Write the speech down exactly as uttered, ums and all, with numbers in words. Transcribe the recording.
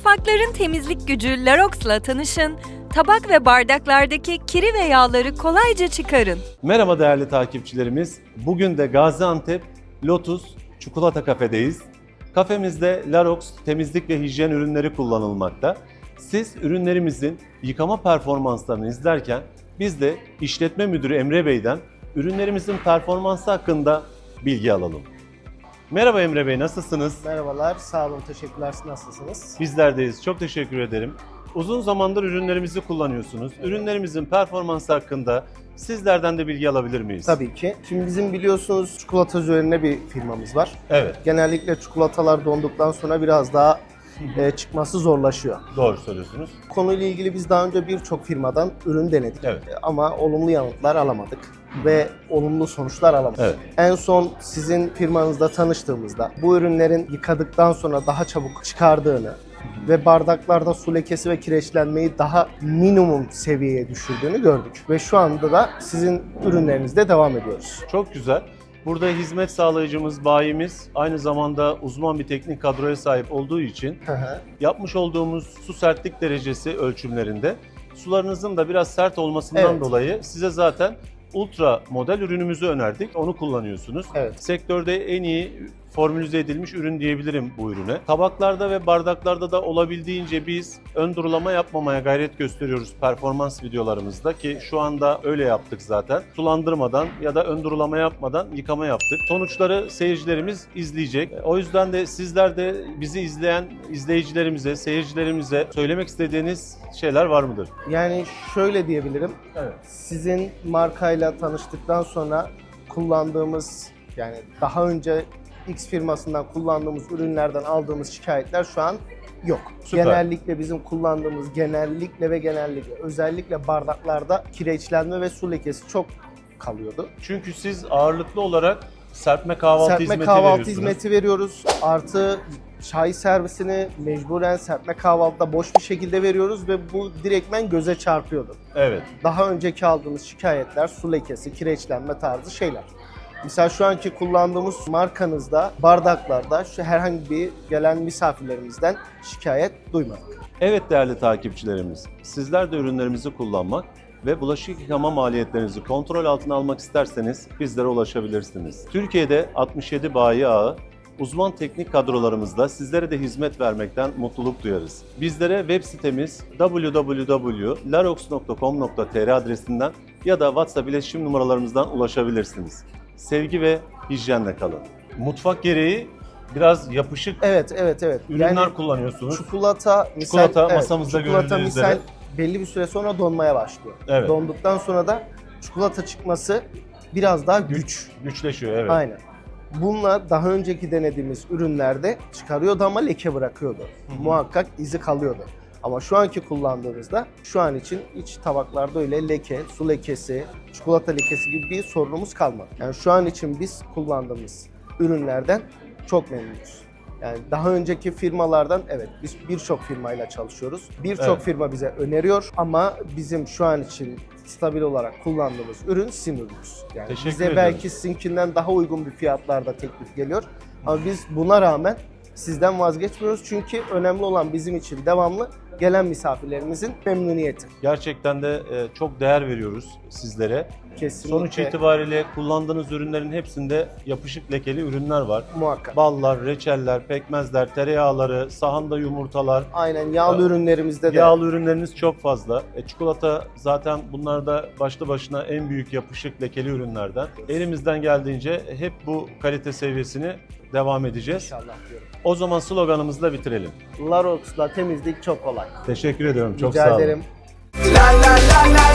Mutfakların temizlik gücü Larox'la tanışın. Tabak ve bardaklardaki kiri ve yağları kolayca çıkarın. Merhaba değerli takipçilerimiz. Bugün de Gaziantep Lotus Çikolata Kafe'deyiz. Kafemizde Larox temizlik ve hijyen ürünleri kullanılmakta. Siz ürünlerimizin yıkama performanslarını izlerken biz de işletme müdürü Emre Bey'den ürünlerimizin performansı hakkında bilgi alalım. Merhaba Emre Bey, nasılsınız? Merhabalar, sağ olun, teşekkürler. Siz nasılsınız? Bizlerdeyiz, çok teşekkür ederim. Uzun zamandır ürünlerimizi kullanıyorsunuz. Ürünlerimizin performansı hakkında sizlerden de bilgi alabilir miyiz? Tabii ki. Şimdi bizim biliyorsunuz çikolata üzerine bir firmamız var. Evet. Genellikle çikolatalar donduktan sonra biraz daha e, çıkması zorlaşıyor. Doğru söylüyorsunuz. Konuyla ilgili biz daha önce birçok firmadan ürün denedik. Evet. E, Ama olumlu yanıtlar alamadık ve olumlu sonuçlar alamadık. Evet. En son sizin firmanızda tanıştığımızda bu ürünlerin yıkadıktan sonra daha çabuk çıkardığını ve bardaklarda su lekesi ve kireçlenmeyi daha minimum seviyeye düşürdüğünü gördük. Ve şu anda da sizin ürünlerinizde devam ediyoruz. Çok güzel. Burada hizmet sağlayıcımız, bayimiz aynı zamanda uzman bir teknik kadroya sahip olduğu için Hı hı. yapmış olduğumuz su sertlik derecesi ölçümlerinde sularınızın da biraz sert olmasından Evet. dolayı size zaten ultra model ürünümüzü önerdik. Onu kullanıyorsunuz. Evet. Sektörde en iyi formülize edilmiş ürün diyebilirim bu ürüne. Tabaklarda ve bardaklarda da olabildiğince biz ön durulama yapmamaya gayret gösteriyoruz performans videolarımızda ki şu anda öyle yaptık zaten. Sulandırmadan ya da ön durulama yapmadan yıkama yaptık. Sonuçları seyircilerimiz izleyecek. O yüzden de sizler de bizi izleyen izleyicilerimize, seyircilerimize söylemek istediğiniz şeyler var mıdır? Yani şöyle diyebilirim. Evet. Sizin markayla tanıştıktan sonra kullandığımız, yani daha önce X firmasından kullandığımız ürünlerden aldığımız şikayetler şu an yok. Süper. Genellikle bizim kullandığımız genellikle ve genellikle özellikle bardaklarda kireçlenme ve su lekesi çok kalıyordu. Çünkü siz ağırlıklı olarak serpme kahvaltı serpme hizmeti kahvaltı veriyorsunuz. hizmeti veriyoruz. Artı çay servisini mecburen serpme kahvaltıda boş bir şekilde veriyoruz ve bu direktmen göze çarpıyordu. Evet. Daha önceki aldığımız şikayetler su lekesi, kireçlenme tarzı şeyler. Mesela şu anki kullandığımız markanızda, bardaklarda şu herhangi bir gelen misafirlerimizden şikayet duymadık. Evet değerli takipçilerimiz, sizler de ürünlerimizi kullanmak ve bulaşık yıkama maliyetlerinizi kontrol altına almak isterseniz bizlere ulaşabilirsiniz. Türkiye'de altmış yedi bayi ağı, uzman teknik kadrolarımızla sizlere de hizmet vermekten mutluluk duyarız. Bizlere web sitemiz w w w nokta larox nokta com nokta t r adresinden ya da WhatsApp iletişim numaralarımızdan ulaşabilirsiniz. Sevgi ve hijyenle kalın. Mutfak gereği biraz yapışık Evet, evet, evet. ürünler Yani kullanıyorsunuz. çikolata, misal, Çikolata evet, masamızda çikolata görüldüğü misal üzere. belli bir süre sonra donmaya başlıyor. Evet. Donduktan sonra da çikolata çıkması biraz daha güç. Güç, güçleşiyor evet. Aynen. Bununla daha önceki denediğimiz ürünlerde çıkarıyordu ama leke bırakıyordu. Muhakkak izi kalıyordu. Ama şu anki kullandığımızda şu an için iç tabaklarda öyle leke, su lekesi, çikolata lekesi gibi bir sorunumuz kalmadı. Yani şu an için biz kullandığımız ürünlerden çok memnunuz. Yani daha önceki firmalardan evet biz birçok firmayla çalışıyoruz. Birçok Evet. firma bize öneriyor ama bizim şu an için stabil olarak kullandığımız ürün sizin ürünümüz. Yani Teşekkür bize ederim. belki sizinkinden daha uygun bir fiyatlarda teklif geliyor. Ama biz buna rağmen sizden vazgeçmiyoruz çünkü önemli olan bizim için devamlı gelen misafirlerimizin memnuniyeti. Gerçekten de e, çok değer veriyoruz sizlere. Kesinlikle. Sonuç itibariyle kullandığınız ürünlerin hepsinde yapışık lekeli ürünler var. Muhakkak. Ballar, reçeller, pekmezler, tereyağları, sahanda yumurtalar, Aynen yağlı Ee, ürünlerimizde de. yağlı ürünleriniz çok fazla. E, çikolata zaten bunlar da başlı başına en büyük yapışık lekeli ürünlerden. Elimizden geldiğince hep bu kalite seviyesini devam edeceğiz. İnşallah diyorum. O zaman sloganımızla bitirelim. Larox'la temizlik çok kolay. Teşekkür ediyorum. Çok Rica sağ olun. ederim. La la la la